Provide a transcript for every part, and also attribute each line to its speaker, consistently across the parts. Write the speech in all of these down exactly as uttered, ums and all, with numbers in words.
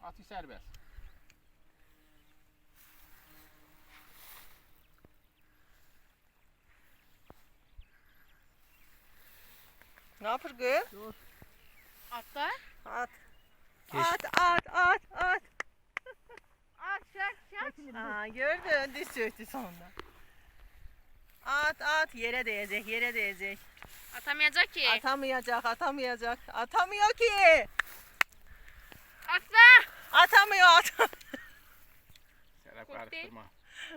Speaker 1: Atı serbest.
Speaker 2: Ne yapır kız?
Speaker 1: Dur.
Speaker 3: Atla.
Speaker 2: At.
Speaker 4: Geç.
Speaker 2: At at at at.
Speaker 3: At çek çek.
Speaker 2: Aa, gördün diz çöktü sonunda. At at yere değecek yere değecek.
Speaker 3: Atamayacak ki.
Speaker 2: Atamayacak atamayacak. Atamıyor ki.
Speaker 3: Atla.
Speaker 2: Atamıyor atamıyor.
Speaker 1: Serap
Speaker 3: Kork değil.
Speaker 1: karıştırma.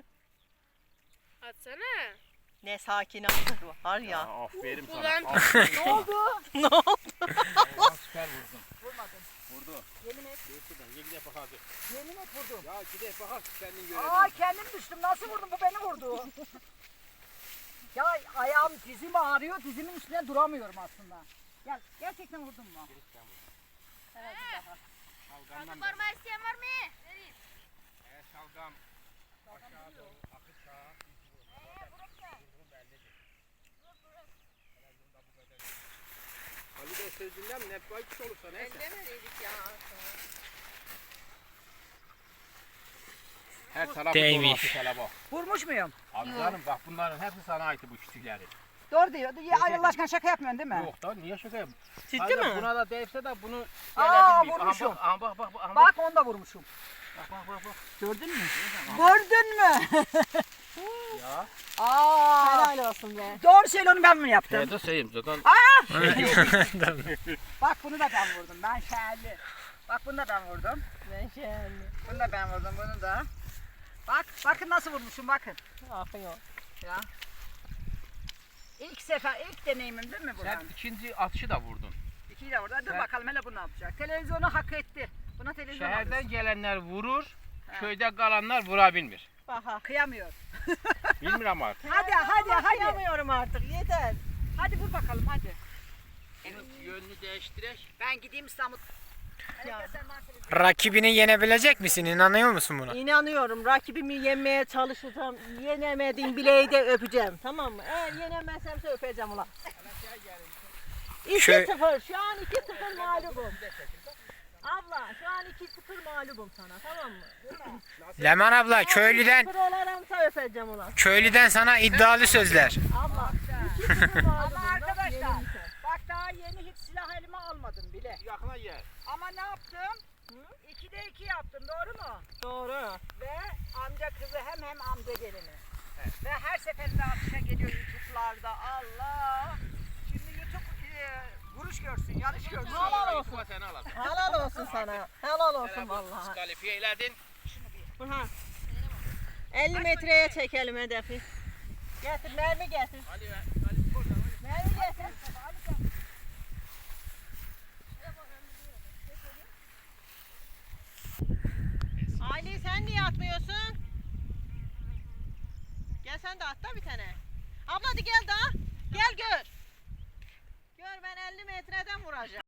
Speaker 3: Atsana.
Speaker 2: Ne sakin atır var
Speaker 1: Ya,
Speaker 2: ya.
Speaker 1: aferin sana.
Speaker 3: Ulan.
Speaker 1: Aferin
Speaker 2: Ne
Speaker 1: sana.
Speaker 2: oldu? Ne oldu?
Speaker 1: Ulan süper vurdun.
Speaker 2: Vurmadın.
Speaker 1: Vurdu.
Speaker 2: Yemin et.
Speaker 1: Dur şuradan. Ye gidip bak hadi.
Speaker 2: Yemin et vurdum.
Speaker 1: Ya gidip bak hadi kendin
Speaker 2: Aa
Speaker 1: görelim.
Speaker 2: kendim düştüm. Nasıl vurdum? Bu beni vurdu. Ya ayağım dizim ağrıyor. Dizimin üstüne duramıyorum aslında. Gel. Gerçekten vurdun mu? Evet.
Speaker 1: Şalgamdan
Speaker 3: Var mı isteyen var mı? Vereyim.
Speaker 1: Evet şalgam. Aşağı doğru. Akış sağa. Ali Bey sözünden mi? Ne baykuş olursa neyse.
Speaker 2: Ellemediydik ya.
Speaker 1: Her tarafı
Speaker 4: Değmiş.
Speaker 1: dolası kelebek.
Speaker 2: Vurmuş muyum?
Speaker 1: Abi canım bak bunların hepsi sana ait bu küçükleri.
Speaker 2: Doğru diyor. Ya, ay Allah aşkına şaka yapmıyorsun değil mi?
Speaker 1: Yok da niye şaka yapayım?
Speaker 2: Ciddi
Speaker 1: Hayır,
Speaker 2: mi?
Speaker 1: Buna da değse de bunu
Speaker 2: Aa,
Speaker 1: gelebilmeyeyim.
Speaker 2: vurmuşum.
Speaker 1: Aha, bak, aha, bak, bak, aha, bak,
Speaker 2: Bak onu da vurmuşum.
Speaker 1: bak, bak, bak, bak.
Speaker 2: Gördün mü? Gördün mü?
Speaker 1: Ya.
Speaker 2: Aa.
Speaker 3: Helal olsun be.
Speaker 2: Doğru söyle onu ben mi yaptım?
Speaker 1: Evet, de sayayım zaten.
Speaker 2: Bak bunu da ben vurdum. Ben şerli. Bak bunu da ben vurdum.
Speaker 3: Ben şöyle.
Speaker 2: Bunu da ben vurdum. Bunu da. Bak bakın nasıl vurmuşum bakın.
Speaker 3: Akıyor.
Speaker 2: Ya. İlk sefer ilk deneyimim değil mi bu?
Speaker 1: Sen ikinci atışı da vurdun.
Speaker 2: İkiyi de vurdu. Dur
Speaker 1: Sen-
Speaker 2: bakalım hele bu ne yapacak. Televizyonu hak etti. Buna televizyon
Speaker 1: Şehirden
Speaker 2: alıyorsun.
Speaker 1: gelenler vurur,
Speaker 2: Ha.
Speaker 1: köyde kalanlar vurabilmir.
Speaker 2: Aha. Kıyamıyor.
Speaker 1: Bilmiyorum artık.
Speaker 2: Hadi hadi hadi.
Speaker 3: Yapamıyorum artık yeter.
Speaker 2: Hadi vur bakalım hadi.
Speaker 1: Bunun yönünü değiştirek.
Speaker 2: Ben gideyim İstanbul.
Speaker 3: Ya.
Speaker 4: Rakibini yenebilecek misin? İnanıyor musun buna?
Speaker 3: İnanıyorum rakibimi yenmeye çalışacağım. Yenemediğim bileği de öpeceğim. Tamam mı? Eğer yenemezsemse öpeceğim ulan.
Speaker 4: Şöyle-
Speaker 3: iki sıfır. Şu an iki sıfır mağlubum. Abla şu an iki sıfır mağlubum sana tamam mı?
Speaker 4: Leman abla köylüden
Speaker 3: iki sıfır olaramsa öpeceğim ulan.
Speaker 4: köylüden sana iddialı sözler.
Speaker 3: Abla iki sıfır mağlubum.
Speaker 2: Ama arkadaşlar
Speaker 3: Yenilmişim.
Speaker 2: bak daha yeni hiç silah elime almadım bile.
Speaker 1: Yakına gel.
Speaker 2: Ama ne yaptım? ikide iki yaptım doğru mu?
Speaker 3: Doğru.
Speaker 2: Ve amca kızı hem hem amca gelini. Ve her seferinde atışa geliyor YouTube'larda. Allah! Şimdi YouTube e, vuruş görsün, yarış görsün.
Speaker 3: Helal olsun.
Speaker 1: Sen al.
Speaker 3: Helal olsun sana. Helal olsun vallahi.
Speaker 1: Diskalifiye eyledin.
Speaker 3: Burhan. elli metreye çekelim hedefi. Getir mermi getir.
Speaker 1: Ali ve Ali burada.
Speaker 3: Mermi getir. Ali sen niye atmıyorsun? Gel sen de at da bir tane. Abla hadi gel daha. Gel gör. Gör ben elli metreden vuracağım.